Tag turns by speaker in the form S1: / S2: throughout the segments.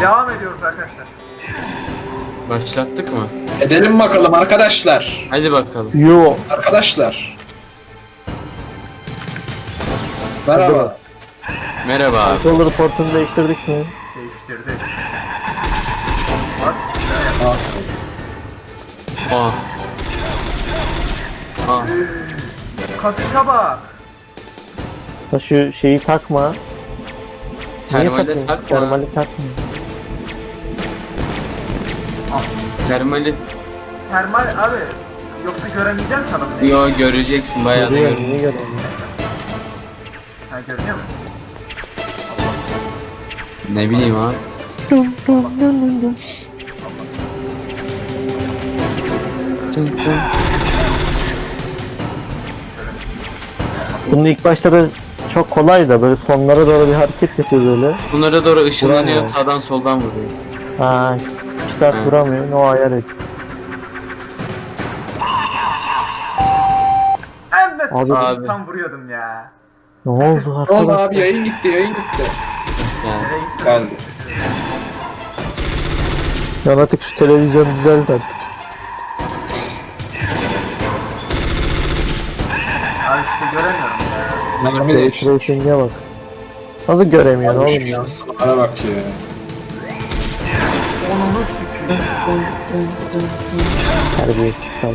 S1: Devam ediyoruz arkadaşlar.
S2: Başlattık mı?
S3: Edelim bakalım arkadaşlar.
S2: Hadi bakalım.
S4: Yo.
S3: Arkadaşlar. Merhaba.
S2: Merhaba abi.
S4: Controller portunu değiştirdik mi?
S1: Değiştirdik. Bak.
S3: Ah,
S2: Aa.
S1: Kasışa bak.
S4: Ha şu şeyi takma. Niye
S2: Termale
S4: takıyorsun?
S2: takma.
S4: Termali takma.
S2: Termali.
S1: Termal abi. Yoksa göremeyeceğim sana.
S2: Yo göreceksin bayağı da
S4: Görüyorum, niye
S2: görüyorum.
S4: görüyorum?
S1: Ha görünüyor mu?
S2: Ne bileyim abi.
S4: Bunun ilk başta da çok kolay da böyle sonlara doğru bir hareket yapıyor böyle.
S2: Bunlara doğru ışınlanıyor,
S4: Vuramıyor.
S2: sağdan soldan vuruyor.
S4: Ha, 2 saat
S2: Evet.
S4: vuramıyor. O ayar et.
S1: Emme
S2: Abi.
S1: tam vuruyordum ya.
S4: Ne oldu
S3: ne oldu
S4: arkadaşlar?
S3: abi, yayın gitti.
S2: Yani.
S1: Nereye gittin?
S3: Geldi.
S4: Ya artık şu televizyon düzelt artık.
S1: Abi işte göremiyorum ya.
S3: Mermi değişti.
S4: Tracing'e bak. Nasıl göremiyor
S3: Abi şu
S4: oğlum?
S3: yansımalara bak ya.
S1: Onunu süküyor.
S4: Terbiyesiz tabii.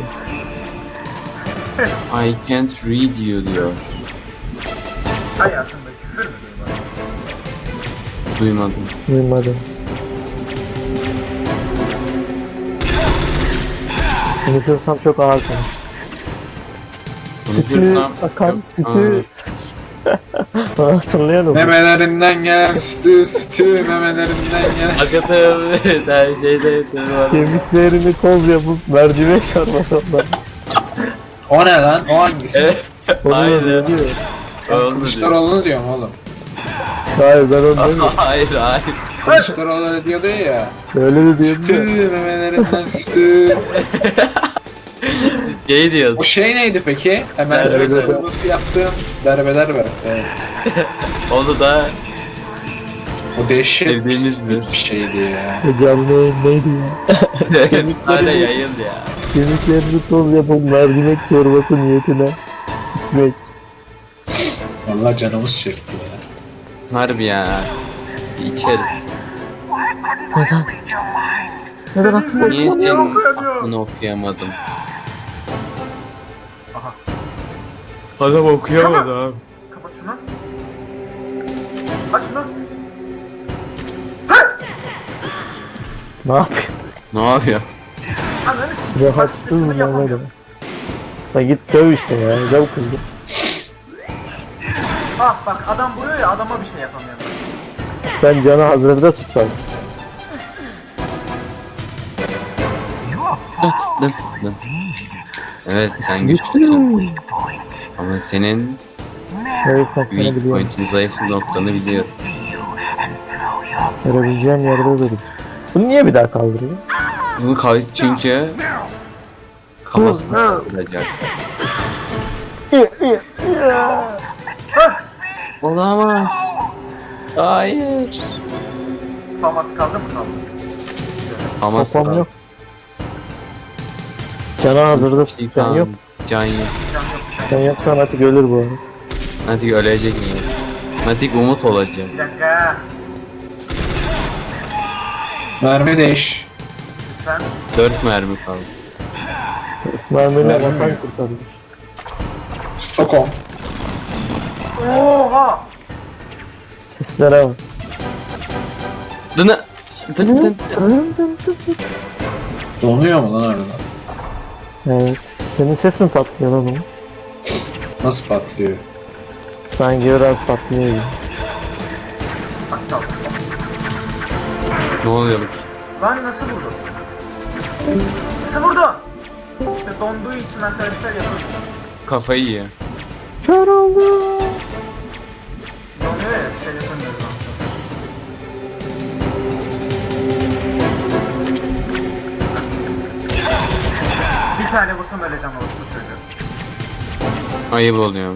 S2: I can't read you diyor.
S1: Hayatımda küfür mü duymadım?
S2: Duymadım.
S4: Duymadım. Konuşursam çok ağır konuş. Sütü,
S2: Konuşursam
S4: akan
S2: çok
S4: sütü. Bana hatırlayalım.
S3: Memelerinden gelen sütü, memelerinden gelen
S2: Hakikaten her şeyde var.
S4: Kemiklerini koz yapıp mercimek sarmasamlar.
S3: O ne lan? O hangisi?
S2: Evet.
S4: Onu da
S2: Aynen.
S4: diyor.
S3: Ben
S2: Oldu diyor.
S3: Kılıçdaroğlu'nu diyorum oğlum.
S4: Hayır ben onu demiyorum.
S2: Hayır hayır.
S3: Kılıçdaroğlu öyle diyordu ya.
S4: Öyle de
S3: Sütü,
S4: diyemiyor.
S3: memelerinden sütü.
S2: Şey diyoruz.
S3: O şey neydi peki? Mercimek
S4: Berbe.
S3: sorulması yaptığım berbeler var. Evet.
S2: Onu da
S3: O dehşet
S2: Sevdiğimiz bir-
S3: bir şeydi ya.
S4: Canlı yayın neydi ya?
S2: efsane yayın ya.
S4: Kemiklerini toz yapıp mercimek çorbası niyetine içmek.
S3: Vallahi canımız çekti ya.
S2: Harbi ya. İçeriz.
S4: Neden? Neden aklına?
S2: Niye
S1: Bunu
S2: senin
S1: okuyamıyorum.
S2: aklını okuyamadım?
S1: Aha.
S2: Adam okuyamadı abi.
S1: Kapat şunu. Aç şunu.
S4: Ne yapıyor?
S2: Ne yapıyor?
S1: Ananı sikeyim. Bak işte
S4: Rahatsız
S1: şunu
S4: mı
S1: yapamıyorum.
S4: oğlum? La git döv işte ya. Döv kızı.
S1: Ah bak adam vuruyor ya adama bir şey yapamıyorum.
S4: Sen canı hazırda tut bak.
S2: Evet sen güçlüsün.
S4: Güçlü.
S2: Ama senin
S4: Evet bak sana
S2: weak
S4: biliyorum.
S2: point'in, zayıf noktanı biliyorum.
S4: Görebileceğim yerde durup. Bunu niye bir daha kaldırıyor?
S2: Bunu kayıt çünkü kafasını kıracak. Olamaz. Hayır.
S1: Faması kaldı mı kaldı?
S2: Ama
S4: Kafam yok. Canı hazırda tut. Can yok.
S2: Can yok.
S1: Can yok.
S4: Can yoksa artık ölür bu arada.
S2: Natik ölecek mi? Natik umut olacak.
S1: Bir dakika.
S3: Mermi değiş.
S1: Lütfen.
S2: 4 mermi kaldı.
S4: Mermiyle
S3: Mermi
S4: vatan
S3: mi?
S4: kurtarmış.
S3: Sokom.
S1: Oha.
S4: Seslere bak.
S2: Dını. Dın dın.
S3: Donuyor mu lan arada?
S4: Evet. Senin ses mi patlıyor lan oğlum?
S3: Nasıl patlıyor?
S4: Sanki biraz patlıyor gibi.
S1: Az kaldı.
S2: Ne oluyormuş?
S1: Lan nasıl vurdun? Nasıl vurdun? İşte donduğu için arkadaşlar yapıyor.
S2: Kafayı yiyor.
S4: Kör oldu.
S1: Donuyor ya şey yapamıyoruz aslında. Bir tane vursam öleceğim orospu çocuğu.
S2: Ayıp oluyor.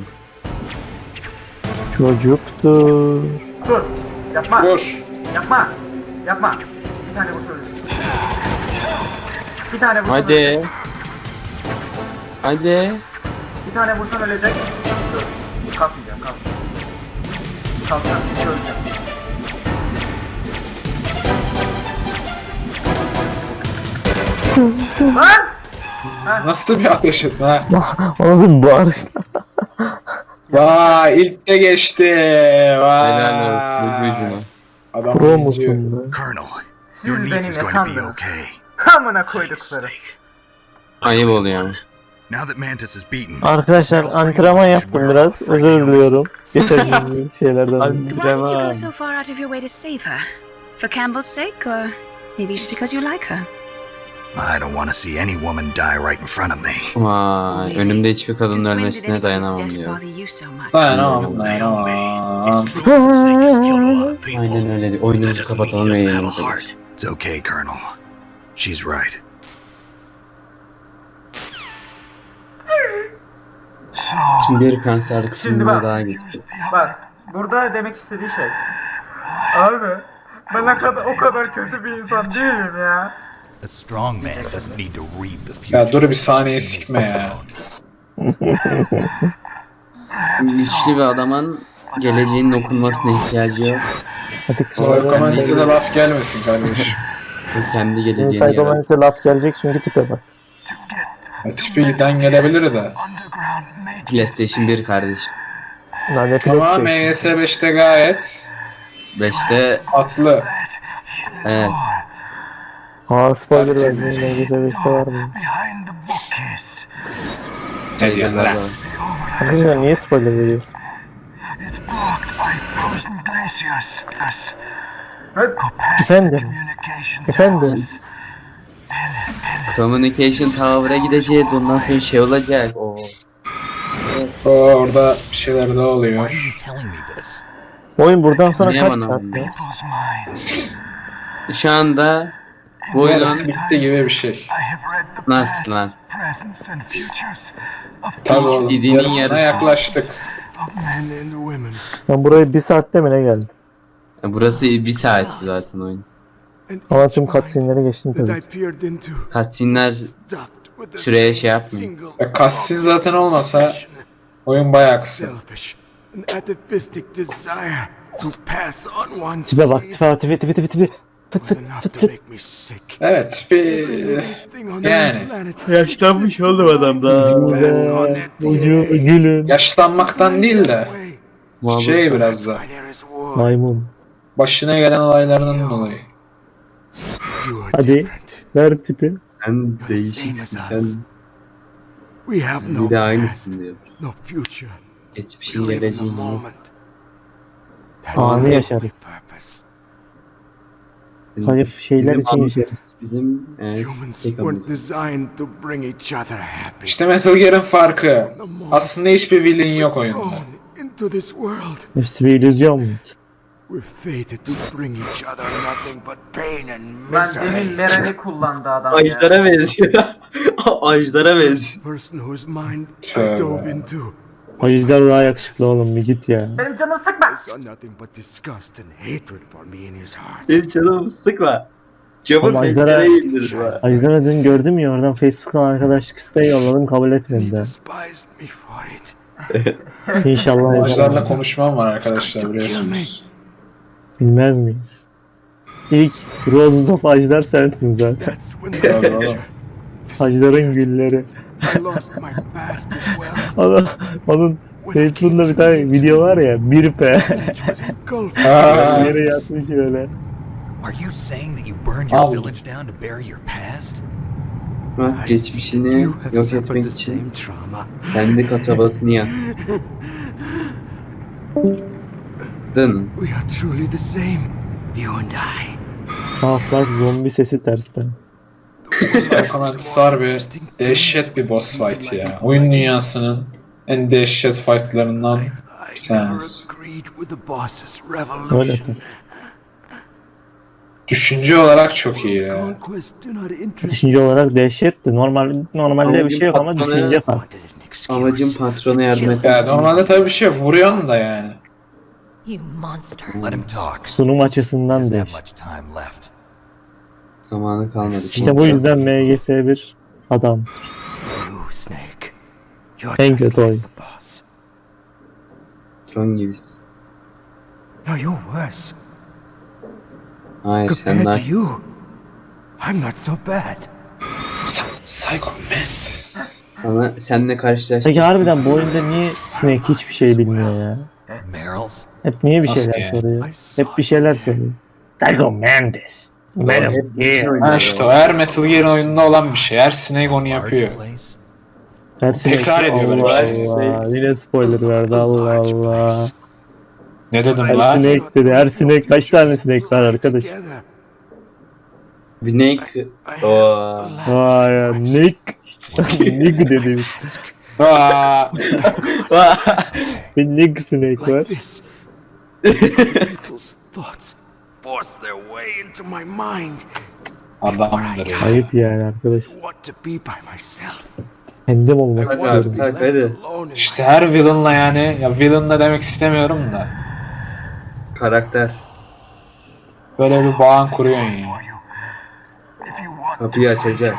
S4: Çocuktur.
S1: Dur. Yapma.
S3: Vur.
S1: Yapma. Yapma. Bir tane vursa ölecek. Bir tane vursan
S2: Hadi.
S1: ölecek.
S2: Hadi.
S1: Bir tane vursan ölecek. Dur. Kalkmayacağım, kalkmayacağım. Kalkacağım, hiç öleceğim. Lan! Ha,
S3: Nasıl bir ateş etme ha?
S4: O nasıl bir bağırış?
S3: Vay ilk de geçti. Vay.
S2: Helal olsun. Gücüne.
S3: Adam
S4: Pro
S3: oyuncu.
S4: musun be?
S5: Colonel,
S1: siz
S5: your niece
S1: beni
S5: is
S1: ne
S5: going to be
S1: sandınız?
S5: okay.
S1: Amına koydukları.
S2: Ayıp oluyor ama.
S5: Now that Mantis is beaten,
S4: Arkadaşlar antrenman yaptım biraz. Özür diliyorum. Geçen gün şeylerden.
S6: Why did you go so far out of your way to save her? For Campbell's sake, or maybe it's because you like her?
S5: I don't want to see any woman die right in front of me.
S2: Vay. Önümde hiçbir kadının
S6: Since when did
S2: ölmesine
S6: anybody's
S2: dayanamam
S6: death
S2: diyor.
S6: bother you so much?
S3: Dayanamam dayanamam.
S5: It's true that the snake has killed a lot of people.
S2: Aynen öyle.
S5: That
S2: Oyunumuzu
S5: doesn't mean he
S2: kapatalım ve
S5: doesn't have a
S2: yayınımıza
S5: heart.
S2: geçelim.
S5: It's okay, Colonel. She's right.
S2: Şimdi bir kanser
S1: Şimdi
S2: kısmına
S1: bak.
S2: daha geçeceğiz.
S1: Bak, burada demek istediği şey. Abi, ben o kadar kötü bir insan değilim ya.
S5: A strong man doesn't need to read the future.
S3: Ya dur bir saniye sikme ya.
S2: Güçlü bir adamın geleceğinin okunmasına ihtiyacı yok.
S4: Hadi
S3: Psychomantis'e de laf gelmesin kardeşim.
S2: O kendi geleceğini yaratır.
S4: Psychomantis'e laf gelecek çünkü tipe bak.
S3: Ya tipi giden gelebilir de.
S2: PlayStation 1 kardeşim.
S4: Lan ne
S3: Ama
S4: PlayStation.
S3: MS 5'te gayet
S2: 5'te
S3: haklı.
S2: evet.
S4: Aa spoiler verdim. NGS 5'te var mı?
S3: Ne diyorsun lan?
S4: Arkadaşlar niye spoiler veriyorsun?
S1: Evet,
S4: Efendim? Efendim?
S2: Communication Tower'a gideceğiz. Ondan sonra şey olacak. Oo.
S3: Orada bir şeyler de
S5: Why are
S3: oluyor.
S5: you telling me this?
S4: Oyun buradan sonra
S2: Niye
S4: kaç
S2: bana
S4: saat
S2: olmuyor?
S4: ya?
S2: Şu anda bu
S3: Yarısı
S2: oyunun
S3: bitti gibi bir şey.
S2: nasıl lan?
S3: Tabii oğlum
S2: İstediğinin
S3: yarısına
S2: yarısı.
S3: yaklaştık.
S4: Ben buraya bir saatte mi ne geldim?
S2: Burası bir saat zaten oyun.
S4: Ama tüm cutscene'leri geçtim tabii.
S2: Cutscene'ler süreye şey yapmıyor.
S3: Ya cutscene zaten olmasa oyun bayağı kısa.
S4: Tipe bak tipe. Fıt fıt fıt fıt.
S3: Evet tipi yani
S2: Yaşlanmış oğlum adam da.
S4: Ucu gülün.
S3: yaşlanmaktan değil de şey biraz da
S4: Maymun.
S3: başına gelen olaylardan dolayı.
S4: Hadi ver tipi.
S2: Sen değişiksin sen. Bir de aynısın diyor. Geçmişin geleceğin yok.
S4: Anı yaşarız. Zayıf şeyler için yaşarız.
S2: Bizim evet, tek amacımız.
S3: İşte Metal Gear'ın farkı. Aslında hiçbir villain yok oyunda.
S4: Hepsi bir illüzyon mu?
S1: ben demin Meral'i kullandı adam ya.
S2: Ajdara benziyor. Ajdara benziyor.
S3: Tövbe.
S4: Ajder daha yakışıklı oğlum bir git ya.
S1: Benim canımı sıkma.
S2: Benim canımı sıkma. Camı
S4: Oğlum, Ajdar'a-
S2: pencereye indir bana.
S4: Ajder'e dün gördüm ya oradan Facebook'tan arkadaşlık isteği yolladım kabul etmedi de. İnşallah
S3: Ajdar'la
S4: Ajder.
S3: konuşmam var arkadaşlar biliyorsunuz.
S4: Bilmez miyiz? İlk Roses of Ajdar sensin zaten.
S3: Tabii oğlum.
S4: Ajdar'ın gülleri. Onun Facebook'ta bir tane video var ya 1P.
S3: Aa,
S4: Yere yatmış böyle.
S5: Are you saying that you burned your
S3: Al.
S5: village down to bury your past?
S2: Ha, geçmişini yok etmek için kendi kasabasını yaktın.
S5: We are truly the same, you and I.
S4: Half-Life zombi sesi tersten.
S3: Psychomantis harbi dehşet bir boss fight ya. Oyun dünyasının en dehşet fightlarından bir
S5: I
S3: tanesi.
S5: agreed with the boss's
S4: Öyle
S5: revolution.
S4: tabii.
S3: Düşünce olarak çok iyi ya.
S5: Conquest do not interest
S4: Düşünce olarak dehşetti. Normalde bir şey yok ama
S2: Patronu-
S4: düşünce farklı.
S5: wanted an excuse.
S2: Amacım patrona yardım etmek.
S3: Ya normalde tabii bir şey yok. Vuruyorsun da yani.
S7: You monster.
S5: Let him talk.
S4: Sunum açısından
S5: Doesn't
S4: da
S5: have
S4: işte.
S5: much time left.
S2: Zamanı kalmadı.
S4: İşte bu yüzden MGS1 adam.
S5: You, Snake. You're
S4: En
S5: just
S4: kötü
S5: like
S4: oyun.
S5: the boss.
S2: Tron gibisin.
S5: No, you're worse.
S2: Hayır sen
S5: Compared
S2: daha...
S5: to you, I'm not so bad.
S3: Psycho Mantis.
S2: Sana, seninle karşılaştık.
S4: Peki harbiden bu oyunda niye Snake hiçbir şey bilmiyor ya?
S5: Meryl's.
S4: Hep niye bir
S3: Nasıl
S4: şeyler
S3: yani?
S4: soruyor? Hep bir şeyler soruyor. Psycho Mantis. Metal
S2: Hep bir şey
S4: Gear.
S2: oynuyor
S3: Ha
S2: ya.
S3: işte o her Metal Gear oyununda olan bir şey. Her Snake onu yapıyor.
S5: Large place.
S4: Her Snake
S3: Tekrar ediyor böyle
S4: Allah
S3: şey.
S4: Allah. Yine spoiler verdi Allah Allah.
S3: Ne dedim
S4: Her
S3: lan?
S4: Snake dedi. Her Snake kaç tane Snake var arkadaş?
S5: Together.
S2: Bir Snake... Oo.
S4: Vay ya Nick. Nick dedi.
S3: Aa,
S4: Bir Nick Snake var.
S5: Like this. People's thoughts force their way into my mind.
S3: adamdır ya.
S4: Ayıp yani arkadaş.
S5: Want to be by myself.
S4: Kendim olmak
S2: Hadi
S4: istiyorum.
S2: abi tak hadi.
S5: Alone in
S3: İşte her villain'la yani, ya villain'la demek istemiyorum da.
S2: Karakter.
S3: Böyle bir bağın kuruyorsun ya.
S2: Kapıyı açacak.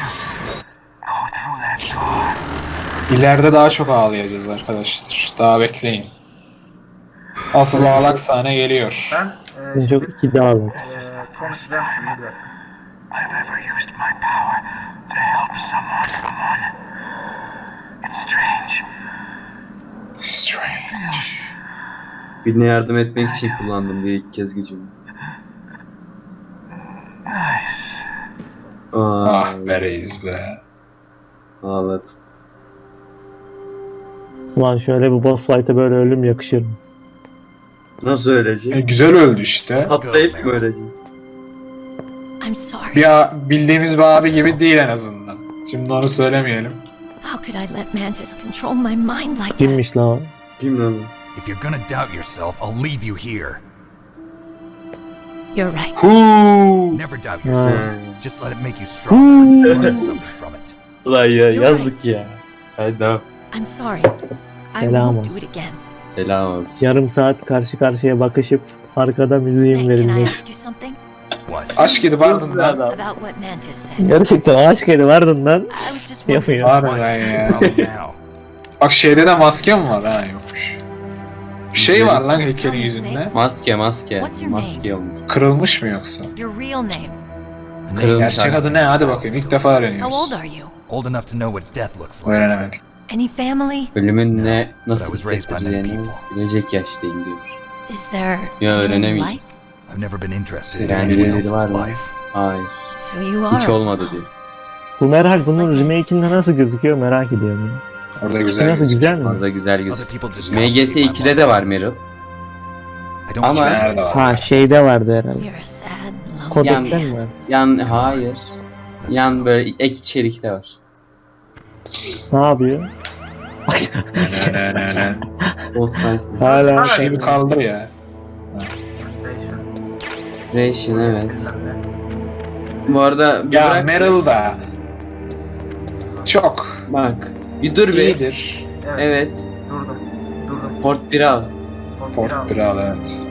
S3: İleride daha çok ağlayacağız arkadaşlar. Daha bekleyin. Asıl ağlak sahne geliyor.
S1: Ben
S4: Ben çok iki daha aldım.
S1: konuşacağım şimdi bir dakika.
S5: I've ever used my power to help someone. It's strange.
S3: Strange.
S2: Birine yardım etmek için kullandım diye ilk kez gücümü. Aa,
S3: Ah be reis be.
S2: ağladım.
S4: Ulan şöyle bir boss fight'a böyle ölüm yakışır mı?
S2: Nasıl ölecek?
S3: Güzel öldü işte.
S2: Patlayıp mı ölecek?
S7: I'm sorry.
S3: Bildiğimiz bir abi gibi değil en azından. Şimdi onu söylemeyelim.
S7: How could I let Mantis control my mind like that?
S4: Kimmiş lan o?
S2: Kim lan?
S5: If you're gonna doubt yourself, I'll leave you here.
S7: You're right.
S3: Huu.
S5: Never doubt
S2: Hmm.
S5: yourself. Just let it make you stronger. Learn something from it.
S2: Ulan ya
S7: You're
S2: yazık ya. Hadi devam.
S7: I'm sorry. I
S4: Selam
S7: won't do
S4: olsun.
S7: it again.
S2: Selam olsun.
S4: Yarım saat karşı karşıya bakışıp arkada müziğin
S7: Snake, can I
S4: verilmesi.
S7: ask you something?
S5: What?
S3: Aşk edip ardından.
S7: About what Mantis said.
S4: Gerçekten aşk edip ardından
S7: I was just wondering.
S4: yapıyor.
S3: Harbiden ya.
S5: Problem now.
S3: Bak şeyde de maske mi var? Ha yokmuş. Bir şey var lan heykelin yüzünde.
S2: Maske maske.
S7: What's your name?
S2: Maske olmuş.
S3: Kırılmış mı yoksa?
S7: Your real name.
S5: A name
S2: Kırılmış
S3: Gerçek adı ne? Hadi bakayım. İlk defa
S7: How old
S3: öğreniyoruz.
S7: are you?
S5: old enough to know what death looks like.
S3: Öğrenemedik.
S7: Any family?
S2: Ölümün ne nasıl
S5: But I was raised by many
S2: hissettireceğini
S5: people.
S2: bilecek yaştayım diyor.
S7: Is there
S2: Ya
S7: anyone you
S2: öğrenemeyeceğiz.
S7: like?
S5: I've never been interested in
S2: Yani
S5: anyone
S2: birileri
S5: else's
S2: var mı?
S5: life.
S2: Hayır.
S7: So you are.
S2: Hiç olmadı diyor.
S4: Bu merak bunun remake'inde nasıl gözüküyor merak ediyorum ya.
S3: Orada
S4: Nasıl
S3: güzel.
S4: güzel mi?
S2: Orada güzel
S5: Other
S2: gözüküyor.
S5: people just
S2: MGS
S5: complicate my
S2: 2'de de
S5: life.
S2: var Meryl.
S5: I don't
S2: Ama-
S5: care.
S3: Nerede var?
S4: Ha şeyde vardı herhalde.
S7: You're a sad, lonely
S4: Kodek'te
S7: man.
S4: mi vardı?
S2: Yan hayır. Yan böyle ek içerikte var.
S4: Ne yapıyor?
S3: Ne.
S2: Old Science.
S4: Hala
S3: Şey bir kaldır ya.
S2: Ration evet. Bu arada bir
S3: Ya
S2: bırak.
S3: Meryl da. Çok.
S2: Bak. Bir dur be.
S3: İyidir.
S2: Evet.
S1: Durdum.
S2: Port 1'i al.
S3: Port 1 al evet.